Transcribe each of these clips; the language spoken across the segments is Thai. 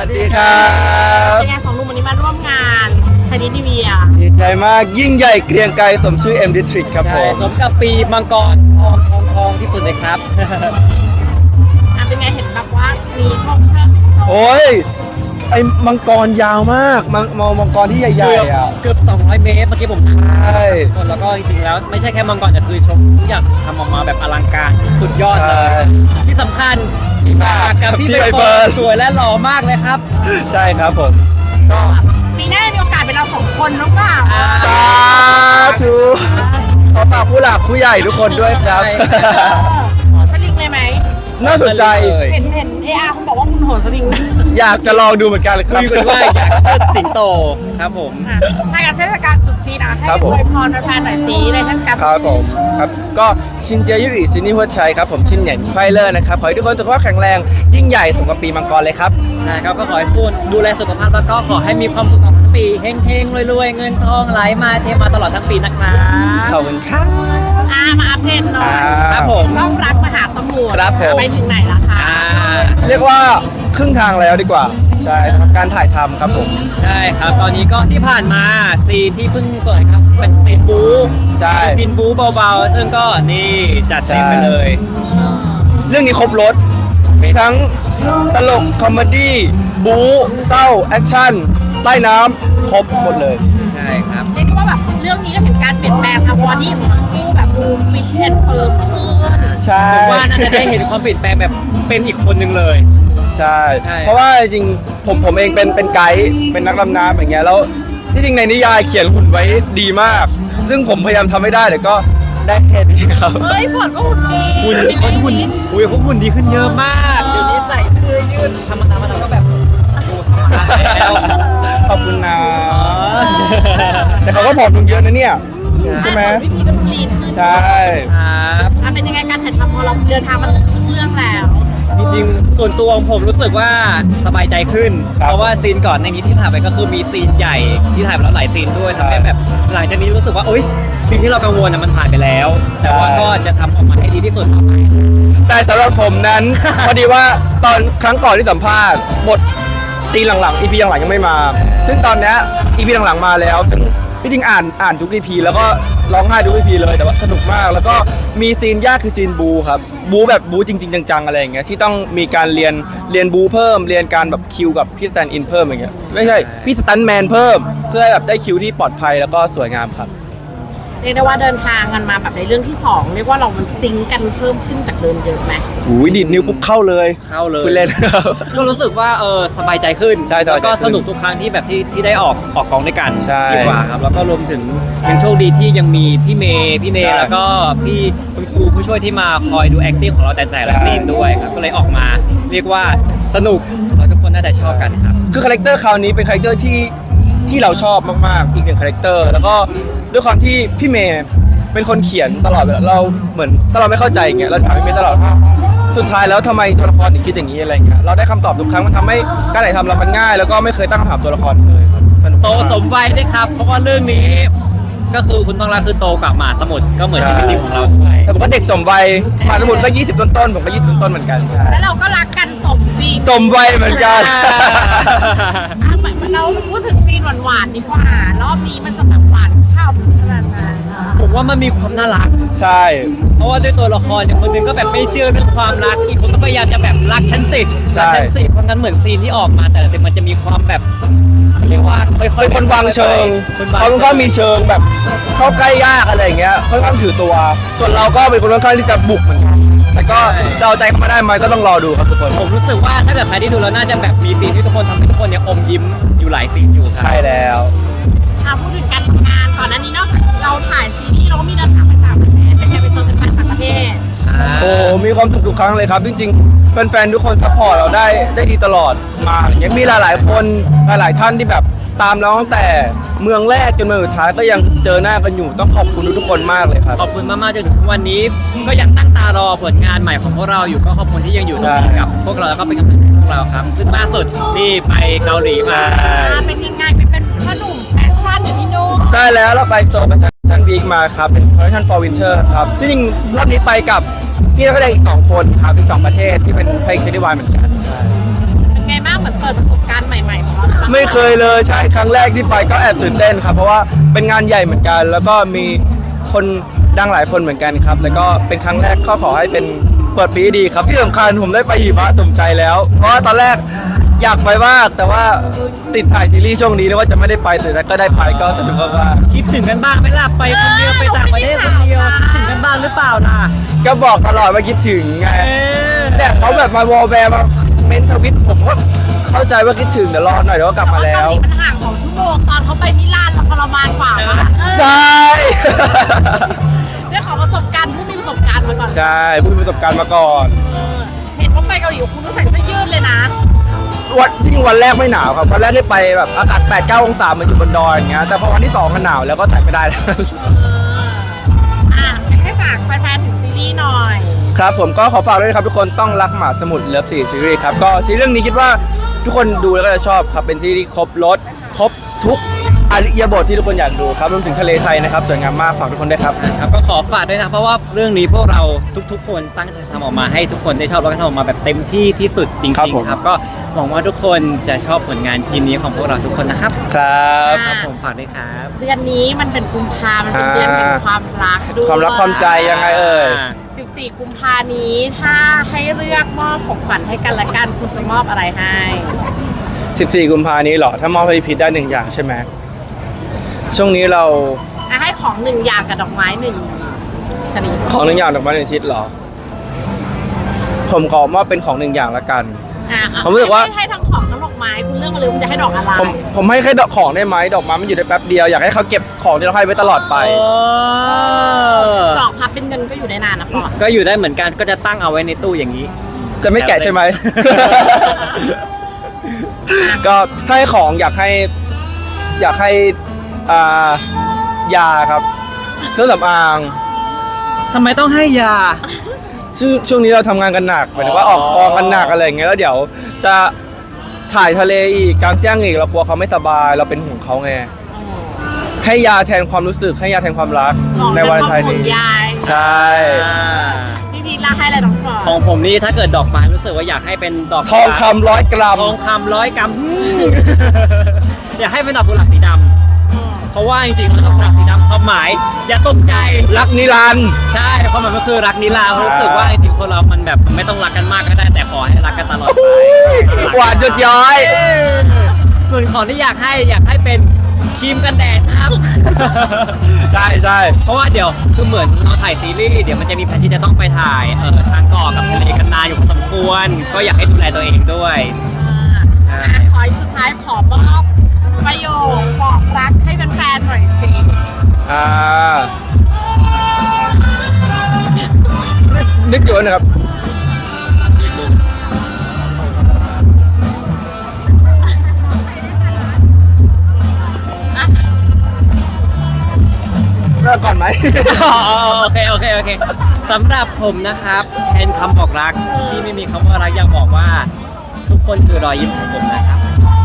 วัสดีครับเป็นไงสองหนุ่มวันนี้มาร่วมงานชนิดทีวีอ่ะดีใจมากยิ่งใหญ่เกรียงไกรสมชื่อ M District ครับผใช่มสมกับปีมังกรทองที่สุดเลยครับเป็นไงเห็นแบบว่ามีชมเชิญโอ้ยไอ้มังกรยาวมากมังกรที่ใหญ่ๆอ่ะเกือบ200 เมตรเมื่อกี้ผมใช่แล้วก็จริงๆแล้วไม่ใช่แค่มังกรแต่คือชมทุกอย่างทำออกมาแบบอลังการสุดยอดเลย ที่สำคัญพี่มากกับพี่ใบเฟิร์นสวยและหล่อมากเลยครับใช่ครับผมก็ปีหน้ามีโอกาสเป็นเราสองคนหรือเปล่าสาธุขอฝากผู้หลักผู้ใหญ่ทุกคนด้วยครับโหนสลิงเลยไหมน่าสนใจเห็นARคุณบอกว่าคุณโหนสลิงนะอยากจะลองดูเหมือนกันเลยครับคุยกันว่าอยากเชิดสิงโตครับผมถ้าการเทศกาลตรุษจีนนะให้ครับผมอวยพรแฟนๆหน่อยสิในเทศกาลครับผมครับก็ชินเจียยุอีซินนี่หัวชัยครับผมชินเหนียนไฟเลอร์นะครับขอให้ทุกคนสุขภาพแข็งแรงยิ่งใหญ่สมกับปีมังกรเลยครับใช่ครับก็ขอให้คุณดูแลสุขภาพแล้วก็ขอให้มีความสุขตลอดทั้งปีเฮงๆรวยๆเงินทองไหลมาเทมาตลอดทั้งปีนะครับขอบคุณครับมาอัปเดตหน่อยครับผมต้องรักมหาสมุทรครับผมไปถึงไหนละคะเรียกว่าครึ่งทางแล้วดีกว่าใช่สำหรับการถ่ายทำครับผมใช่ครับตอนนี้ก็ที่ผ่านมาซีนที่เพิ่งเปิดครับเป็นซีนบู๊ใช่เป็นซีนบู๊เบาๆซึ่งก็นี่จัดเต็มไปเลยเรื่องนี้ครบรถมีทั้งตลกคอมเมดี้บู๊เศร้าแอคชั่นใต้น้ำครบหมดเลยใช่ครับเรียกได้ว่าแบบเรื่องนี้ก็เห็นการเปลี่ยนแปลงทางบอดี้ของทั้งคู่แบบดูฟิตแอนด์เฟิร์มขึ้นใช่ผมว่าน่าจะได้เห็นความเปลี่ยนแปลงแบบเป็นอีกคนหนึ่งเลยใช่ใช่เพราะว่าจริงๆผมเองเป็นไกด์เป็นนักดำน้ำอย่างเงี้ยแล้วที่จริงในนิยายเขียนหุ่นไว้ดีมาก ซึ่งผมพยายามทำไม่ได้แต่ก็ได้แค่นี้ครับเฮ้ยฝนก็หุ่นดีหุ่นคนหุ่นอุ้ยเขาหุ่นดีขึ้นเยอะมากเดี๋ยวนี้ใส่เสื้อยืดธรรมดาเราก็แบบดูธรรมดาแล้วขอบคุณนะแต่เขาก็ผอมลงเยอะนะเนี่ยใช่ไหมวิธีก็ลีนขึ้นใช่ครับเป็นยังไงการถ่ายทำพอเราเดินทางมาเรื่องแล้วจริงๆส่วนตัวของผมรู้สึกว่าสบายใจขึ้น เพราะว่าซีนก่อนในนี้ที่ถ่ายไปก็คือมีซีนใหญ่ที่ถ่ายไปแล้วหลายซีนด้วยทำให้แบบหลังจากนี้รู้สึกว่าโอ๊ยซีนที่เรากังวลมันผ่านไปแล้ว แต่ว่าก็จะทำออกมาให้ดีที่สุดต่อไปแต่สำหรับผมนั้น พอดีว่าตอนครั้งก่อนที่สัมภาษณ์บทซีนหลังๆ EP หลังๆยังไม่มา ซึ่งตอนเนี้ย EP หลังๆมาแล้วซึ่งที่จริงอ่านทุก EP แล้วก็ร้องไห้ทุก EP เลยแต่ว่าสนุกมาก แล้วก็มีซีนยากคือซีนบูครับบูแบบบูจริงๆจังๆอะไรอย่างเงี้ยที่ต้องมีการเรียนบูเพิ่มเรียนการแบบคิวกับพี่สแตนด์อินเพิ่มอย่างเงี้ยไม่ใช่พี่สแตนด์แมนเพิ่มเพื่อให้แบบได้คิวที่ปลอดภัยแล้วก็สวยงามครับเรียกได้ว่าเดินทางกันมาแบบในเรื่องที่สองเรียกว่าเรามันซิงค์กันเพิ่มขึ้นจากเดิมเยอะไหมหูยดีดนิ้วปุ๊บเข้าเลยเข้าเลยคุณเล่นครับก็รู้สึกว่าสบายใจขึ้นใช่สบายใจขึ้นแล้วก็สนุกทุกครั้งที่แบบที่ได้ออกกองด้วยกันใช่ดีกว่าครับแล้วก็รวมถึงยังโชคดีที่ยังมีพี่เมย์ใช่แล้วก็พี่คุณครูผู้ช่วยที่มาคอยดู acting ของเราแต่ละซีนด้วยครับก็เลยออกมาเรียกว่าสนุกแล้วทุกคนน่าจะชอบกันครับคือคาแรคเตอร์คราวนี้เป็นคาแรคเตอร์ที่เราชอบมากๆอีกหนึ่งคาแรคเตอร์แล้วก็ด้วยความที่พี่เมย์เป็นคนเขียนตลอดเวลาเราเหมือนถ้าเราไม่เข้าใจอย่างเงี้ยเราถามพี่เมย์ตลอดว่าสุดท้ายแล้วทำไมตัวละครถึงคิดอย่างนี้อะไรเงี้ยเราได้คำตอบทุกครั้งมันทำให้การถ่ายทำเรามันง่าย แล้วก็ไม่เคยตั้งคำถามตัวละครเลยครับสนุกโตมากสมวัยด้วยครับ เพราะว่าเรื่องนี้ก็คือคุณต้องรักคือโตกับหมาสมุทรก็เหมือนชีวิตจริงของเราด้วยแต่ผมก็เด็กสมวัยมาทั้งหมดก็20ต้นๆผมก็20ต้นๆเหมือนกันใช่แล้วเราก็รักกันสมจริงสมวัยเหมือนกันเหมือนเราพูดถึงซีนหวานๆดีกว่ารอบนี้มันจะแบบหวานช่ำขนาดไหนผมว่ามันมีความน่ารักใช่เพราะว่าด้วยตัวละครอย่างคนหนึงก็แบบไม่เชื่อเรื่องความรัก อีกคนก็พยายามจะแบบรักฉันสิรักฉันสิเพราะงั้นเหมือนซีนที่ออกมาแต่ละซีนมันจะมีความแบบเขาเรียกว่าค่อยเป็นคนวางเชิงคนวางเขาค่อนข้างมีเชิงแบบเข้าใกล้ยากอะไรอย่างเงี้ยค่อนข้างถือตัว ส่วนเราก็เป็นคนค่อนข้างที่จะบุกเหมือนกันแต่ก็จะเอาใจเข้ามาได้ไหมก็ต้องรอดูครับทุกคนผมรู้สึกว่าถ้าเกิดใครที่ดูแล้วน่าจะแบบมีซีนที่ทุกคนทำให้ทุกคนเนี่ยอมยิ้มอยู่หลายซีนอยู่ครับใช่แล้วพูดถึงการทำงานก่อนหน้านี้นอกจากเราถ่ายซีรีส์เราก็มีเดินทางไปต่างประเทศเป็นไงไปเจอกันมาต่างประเทศโอ้มีความสุขทุกครั้งเลยครับจริงๆแฟนๆทุกคนซัพพอร์ตเราได้ดีตลอดมาอย่างเงี้ยมีหลายๆคนหลายๆท่านที่แบบตามเราตั้งแต่เมืองแรกจนเมืองสุดท้ายก็ยังเจอหน้ากันอยู่ต้องขอบคุณทุกๆคนมากเลยครับขอบคุณมากๆจนถึงวันนี้ก็ยังตั้งตารอผลงานใหม่ของพวกเราอยู่ก็ขอบคุณที่ยังอยู่ตรงนี้กับพวกเราแล้วก็เป็นกำลังใจให้พวกเราครับซึ่งล่าสุดนี่ไปเกาหลีมาเป็นยังไงเป็นพ่อหนุ่มแฟชั่นอยู่ที่นู่นใช่แล้วเราไปโซนประชันวีคมาครับเป็น Collection for Winter ครับที่จริงรอบนี้ไปกับพี่นักแสดงอีก2คนครับอีก2ประเทศที่เป็นเพลงซีรีส์วายเหมือนกันใช่เป็นไงบ้างเหมือนเปิดประสบการณ์ใหม่ๆของเราบ้างไม่เคยเลยใช่ครั้งแรกที่ไปก็แอบตื่นเต้นครับเพราะว่าเป็นงานใหญ่เหมือนกัน แล้วก็มีคนดังหลายคนเหมือนกันครับ แล้วก็เป็นครั้งแรกก็ขอให้เป็นเปิดปีที่ดีครับที่สำคัญผมได้ไปหิมะตุ่มใจแล้ว เพราะว่าตอนแรกอยากไปมากแต่ว่าติดถ่ายซีรีส์ช่วงนี้นะว่าจะไม่ได้ไปแต่ก็ได้ไปก็สนุกมากคิดถึงกันบ้างไหมล่ะไปคนเดียวไปต่างประเทศคนเดียวคิดถึงกันบ้างหรือเปล่าล่ะๆก็บอกตลอดว่าคิดถึงไงเนี่ยเขาแบบมาวอลแวร์มาเมนทวิตผมก็เข้าใจว่าคิดถึงเดี๋ยวรอหน่อยเดี๋ยวก็กลับมาแล้วต่าเกาหลีมันห่าง2 ชั่วโมงตอนเขาไปมิลานเราทรมานกว่านะใช่ได้ขอประสบการณ์ผู้มีประสบการณ์มาก่อนใช่ผู้มีประสบการณ์มาก่อนเห็นว่าไปเกาหลีคุณต้องใส่เสื้อยืดเลยนะวันแรกไม่หนาวครับวันแรกที่ไปแบบอากาศ 8-9 องศามันอยู่บนดอยอย่างเงี้ยแต่พอวันที่2ก็หนาวแล้วก็ใส่ไม่ได้แล้วให้ฝากแฟนๆถึงซีรีส์หน่อยครับผมก็ขอฝากด้วยนะครับทุกคนต้องรักหมาสมุทรเลิฟ4ซีรีส์ครับก็ซีรีส์เรื่องนี้คิดว่าทุกคนดูแล้วก็จะชอบครับเป็นซีรีส์ที่ครบรสครบทุกอริยบทที่ทุกคนอยากดูครับรวมถึงทะเลไทยนะครับสวยงามมากฝากทุกคนด้วยครับครับก็ขอฝากด้วยนะเพราะว่าเรื่องนี้พวกเราทุกๆ คนตั้งใจทำออกมาให้ทุกคนได้ชอบแล้วก็ทำออกมาแบบเต็มที่ที่สุดจริงครับผมๆครับก็หวังว่าทุกคนจะชอบผลงานชิ้นนี้ของพวกเราทุกคนนะครับครับครับผมฝากด้วยครับเดือนนี้มันเป็นกุมภามันเป็นเดือนแห่งความรักด้วยความรักความใจยังไงเอ่ย 14 กุมภานี้ถ้าให้เลือกมอบของขวัญให้กันและกันคุณจะมอบอะไรให้ 14 กุมภานี้เหรอถ้ามอบให้พีทได้1อย่างใช่ไหมช่วงนี้เราให้ของ1 อย่างกับดอกไม้1 ชนิดของ1 อย่างดอกไม้1 ชิ้นเหรอผมขอมอบเป็นของ1 อย่างละกัน ผมรู้สึกว่าให้ทั้งของทั้งดอกไม้คุณเลือกมาเลยคุณจะให้ดอกอะไรผมให้แค่ดอกของได้ไหมดอกไม้มันอยู่ได้แป๊บเดียวอยากให้เขาเก็บของที่เราให้ไว้ตลอดไปดอกพับเป็นเงินก็อยู่ได้นานนะฟอร์ดก็อยู่ได้เหมือนกันก็จะตั้งเอาไว้ในตู้อย่างนี้จะไม่แกะใช่ไหม ก็ถ้าให้ของอยากให้ยาครับเครื่องสำอางทำไมต้องให้ยาช่วงนี้เราทำงานกันหนักหมายถึงว่าออกกองกันหนักอะไรอย่างเงี้ยแล้วเดี๋ยวจะถ่ายทะเลอีกกลางแจ้งอีกเรากลัวเขาไม่สบายเราเป็นห่วงเขาไงให้ยาแทนความรู้สึกให้ยาแทนความรักในวันไทยนี้ยายใช่พี่พีทล่าให้อะไรน้องฟอร์ดของผมนี่ถ้าเกิดดอกไม้รู้สึกว่าอยากให้เป็นดอกทองคำ100 กรัมทองคำ100 กรัม อยากให้เป็นดอกกุหลาบสีดำเพราะว่าจริงๆแล้วดอกกุหลาบสีดำความหมายอย่าตกใจรักนิรันดร์ใช่ความหมายก็คือรักนิรันดร์รู้สึกว่าจริงๆคนเรามันแบบไม่ต้องรักกันมากก็ได้แต่ขอให้รักกันตลอดไปหวานหยดย้อยส่วนของที่อยากให้เป็นครีมกันแดดครับใช่ใช่เพราะว่าเดี๋ยวคือเหมือนเราถ่ายซีรีส์เดี๋ยวมันจะมีแผนที่จะต้องไปถ่ายทางเกาะกับทะเลกันนานอยู่พอสมควร ก็อยากให้ดูแลตัวเองด้วย ใช่ขออีกสุดท้ายขอมอบประโยคบอกรักให้แฟนๆหน่อยสินึกอยู่นะครับเริ่มก่อนไหมโอเคสำหรับผมนะครับแทนคำบอกรักที่ไม่มีคำว่ารักอยากบอกว่าทุกคนคือรอยยิ้มของผมนะครับ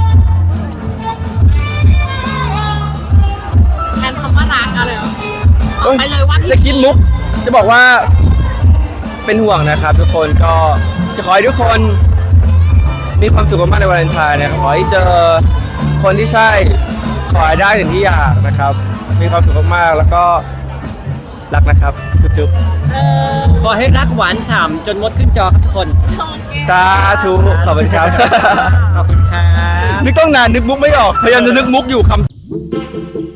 แทนคำว่ารักอะไรบอกไปเลยว่าพี่จะคิดมุกจะบอกว่าเป็นห่วงนะครับทุกคนก็จะขอให้ทุกคนมีความสุขมากในวาเลนไทน์นะครับขอให้เจอคนที่ใช่ขอให้ได้ถึงที่อยากนะครับ มีความสุขมากๆแล้วก็รักนะครับจุ๊บขอให้รักหวานฉ่ำจนมดขึ้นจอครับทุกคนโอเคๆสาธุขอบคุณครับขอบคุณครับนึกต้องนานนึกมุกไม่ออกพยายามจะนึกมุกอยู่คำ